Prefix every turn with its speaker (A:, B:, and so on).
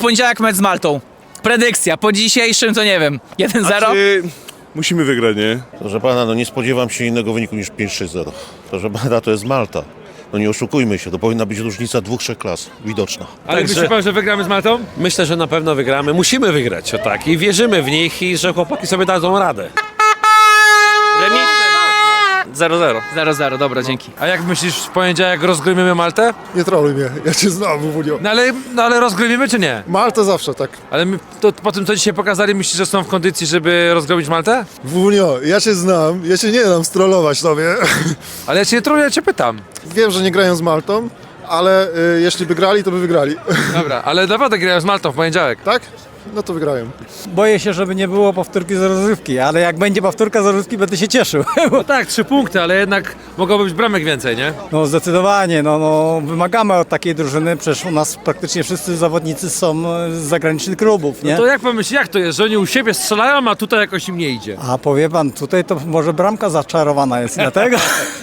A: poniedziałek mecz z Maltą. Predykcja, po dzisiejszym to nie wiem, 1-0?
B: Musimy wygrać, nie?
C: Proszę pana, no nie spodziewam się innego wyniku niż 5-3-0. Proszę pana, to jest Malta. No nie oszukujmy się, to powinna być różnica 2-3 klas, widoczna.
D: Ale myśli pan, że wygramy z Maltą?
E: Myślę, że na pewno wygramy. Musimy wygrać, o tak. I wierzymy w nich i że chłopaki sobie dadzą radę.
A: Remis?
F: 0-0.
A: 0-0, dobra, dzięki.
D: A jak myślisz, w poniedziałek rozgromimy Maltę?
G: Nie troluj mnie, ja cię znam, Wunio.
D: No ale rozgromimy czy nie?
G: Malta zawsze, tak.
D: Ale to po tym, co dzisiaj pokazali, myślisz, że są w kondycji, żeby rozgromić Maltę?
G: Wunio, ja cię znam, ja cię nie dam strollować tobie.
D: Ale ja cię nie troluję, ja cię pytam.
G: Wiem, że nie grają z Maltą, ale jeśli by grali, to by wygrali.
D: Dobra, ale naprawdę grają z Maltą w poniedziałek.
G: Tak? No to wygrają.
H: Boję się, żeby nie było powtórki z rozrywki, ale jak będzie powtórka z rozrywki, będę się cieszył.
D: No tak, 3 punkty, ale jednak mogłoby być bramek więcej, nie?
H: No zdecydowanie, no wymagamy od takiej drużyny, przecież u nas praktycznie wszyscy zawodnicy są z zagranicznych klubów, nie?
D: No to jak pan myśli, jak to jest, że oni u siebie strzelają, a tutaj jakoś im nie idzie?
H: A powie pan, tutaj to może bramka zaczarowana jest, dlatego